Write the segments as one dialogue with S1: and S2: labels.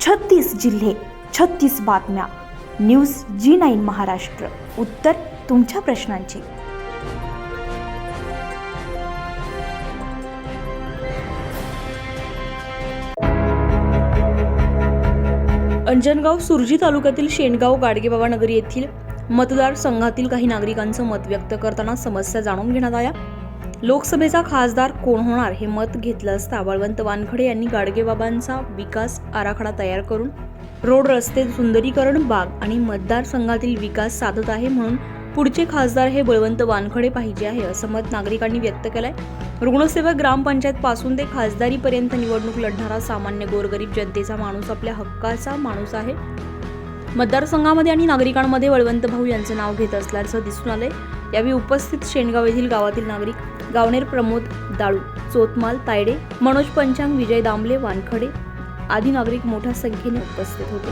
S1: 36 जिल्हे, 36 बातम्या. News G9 Maharashtra. उत्तर तुमच्या प्रश्नांची. अंजनगाव सुरजी तालुक्यातील शेणगाव गाडगेबाबा नगरी येथील मतदारसंघातील काही नागरिकांचं मत व्यक्त करताना समस्या जाणून घेण्यात आल्या. लोकसभेचा खासदार कोण होणार हे मत घेतलं असता बळवंत वानखडे यांनी गाडगेबाबांचा विकास आराखडा तयार करून रोड, रस्ते, सुंदरीकरण, बाग आणि मतदारसंघातील विकास साधत आहे, म्हणून पुढचे खासदार हे बळवंत वानखडे पाहिजे आहे, असं मत नागरिकांनी व्यक्त केलंय. रुग्णसेवक, ग्रामपंचायत पासून ते खासदारीपर्यंत निवडणूक लढणारा सामान्य गोरगरीब जनतेचा माणूस आपल्या हक्काचा माणूस आहे. मतदारसंघामध्ये आणि नागरिकांमध्ये बळवंत भाऊ यांचं नाव घेत असल्याचं दिसून आलंय. यावेळी उपस्थित शेणगाव येथील गावातील नागरिक गावणेर प्रमोद दाळू, चोतमाल तायडे, मनोज पंचांग, विजय दामले, वानखडे आदी नागरिक मोठ्या संख्येने उपस्थित होते.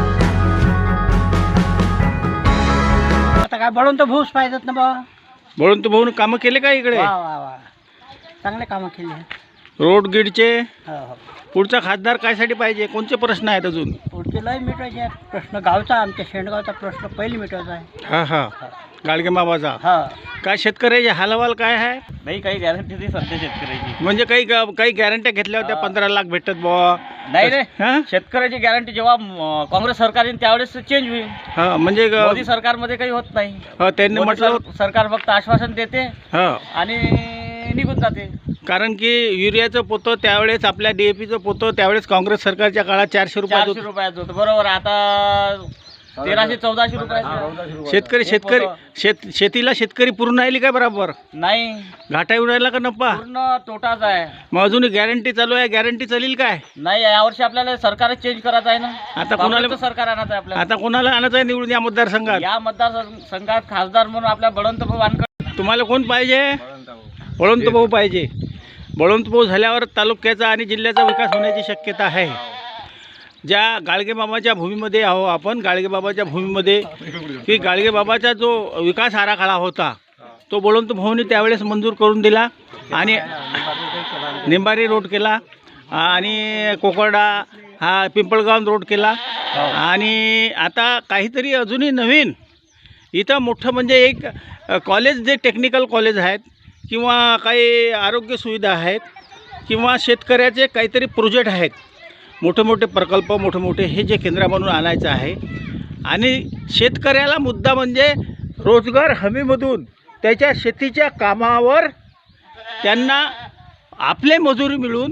S2: आता काय बळवंत भाऊच पाहिजेत ना बाबा.
S3: बळवंत भाऊन कामं केले का इकडे?
S2: वा वा वा, चांगले कामं केले.
S3: रोड गिडचे.
S2: हो हो,
S3: पुढचा खासदार कायसाठी पाहिजे? कोणते प्रश्न आहेत अजून?
S2: पुढचे लय मिटवायचे आहेत. प्रश्न गावचा, आमच्या शेणगावचा प्रश्न पहिली मिटवायचा आहे.
S3: हा हा, गाडगेबाबाचा.
S2: हा,
S3: काय शेतकऱ्याचे हालवाल काय आहे?
S4: नाही, काही गॅरंटी नाही सध्या शेतकऱ्याची.
S3: म्हणजे काही गॅरंट्या घेतल्या होत्या, 15 लाख भेटत बुवा.
S4: नाही
S3: हा?
S4: रे, शेतकऱ्याची गॅरंटी जेव्हा काँग्रेस सरकार येईल त्यावेळेस चेंज होईल.
S3: हा, म्हणजे
S4: मोदी सरकारमध्ये काही होत नाही.
S3: त्यांनी
S4: मोदी
S3: म्हटलं
S4: सरकार फक्त आश्वासन देते
S3: हा,
S4: आणि निघून जाते.
S3: कारण की युरियाचं पोतं त्यावेळेस, आपल्या DAPचं पोतं त्यावेळेस काँग्रेस सरकारच्या काळात 400 रुपयात
S4: 400 रुपयाचं होतं. बरोबर, आता 1300-1400 रुपयाचं.
S3: शेतीला शेतकरी पूर्ण राहिली काय बरोबर?
S4: नाही,
S3: घाटा येऊन राहिला का नफा?
S4: पूर्ण तोटाच आहे.
S3: मग अजून गॅरंटी चालू आहे, गॅरंटी चालेल काय?
S4: नाही, यावर्षी आपल्याला सरकार चेंज करायचं आहे ना.
S3: आता कोणाला
S4: काँग्रेसचं सरकार आणायचं आहे आपल्याला.
S3: आता कोणाला आणायचं आहे निवडून या मतदारसंघात?
S4: या मतदारसंघात खासदार म्हणून आपल्या बळवंत भाऊ वानखडे.
S3: तुम्हाला कोण पाहिजे? बळवंत भाऊ पाहिजे. बळवंत भाऊ झाल्यावर तालुक्याचा आणि जिल्ह्याचा विकास होण्याची शक्यता आहे. ज्या गाडगेबाबाच्या भूमीमध्ये आहो आपण, गाडगेबाबाच्या भूमीमध्ये की गाडगेबाबाचा जो विकास आराखडा होता तो बळवंत भाऊंनी त्यावेळेस मंजूर करून दिला आणि निंबारी रोड केला आणि कोकर्डा हा पिंपळगाव रोड केला. आणि आता काहीतरी अजूनही नवीन इथं मोठं म्हणजे एक कॉलेज, जे टेक्निकल कॉलेज आहेत किंवा काही आरोग्य सुविधा आहेत किंवा शेतकऱ्याचे काहीतरी प्रोजेक्ट आहेत, मोठे मोठे प्रकल्प, मोठे मोठे हे जे केंद्र बनवून आणायचं आहे. आणि शेतकऱ्याला मुद्दा म्हणजे रोजगार हमीमधून त्याच्या शेतीच्या कामावर त्यांना आपले मजुरी मिळून.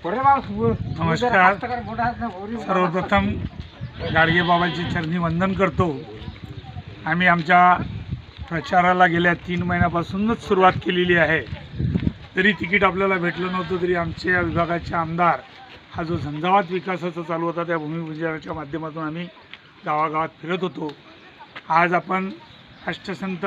S5: नमस्कार. सर्वप्रथम गाडगेबाबाची चरणी वंदन करतो. आम्ही आमच्या प्रचाराला गेल्या 3 महिन्यापासूनच सुरुवात केलेली आहे. जरी तिकीट आपल्याला भेटलं नव्हतं तरी आमच्या विभागाचे आमदार हा जो झंझावात विकासाचा चालू होता त्या भूमिपूजनाच्या माध्यमातून आम्ही गावागावात फिरत होतो. आज आपण राष्ट्रसंत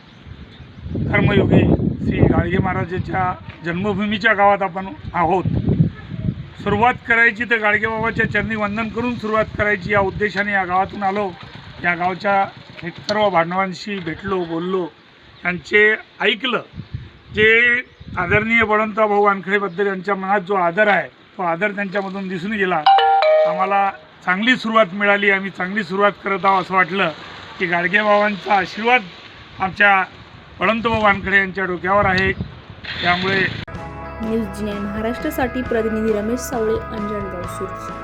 S5: कर्मयोगी श्री गाडगे महाराजांच्या जन्मभूमीच्या गावात आपण आहोत. सुरुवात करायची तर गाडगेबाबाच्या चरणी वंदन करून सुरुवात करायची या उद्देशाने या गावातून आलो. या गावच्या सर्व भांडवांशी भेटलो, बोललो, त्यांचे ऐकलं. जे आदरणीय बळवंत भाऊ वानखडेबद्दल यांच्या मनात जो आदर आहे तो आदर त्यांच्यामधून दिसून गेला. आम्हाला चांगली सुरुवात मिळाली. आम्ही चांगली सुरुवात करत आहोत असं वाटलं की गाडगेबाबांचा आशीर्वाद आमच्या बळवंत भाऊ वानखडे यांच्या डोक्यावर आहे. त्यामुळे
S1: न्यूज G9 महाराष्ट्रासाठी प्रतिनिधी रमेश सावळे, अंजनगाव, सुरजी.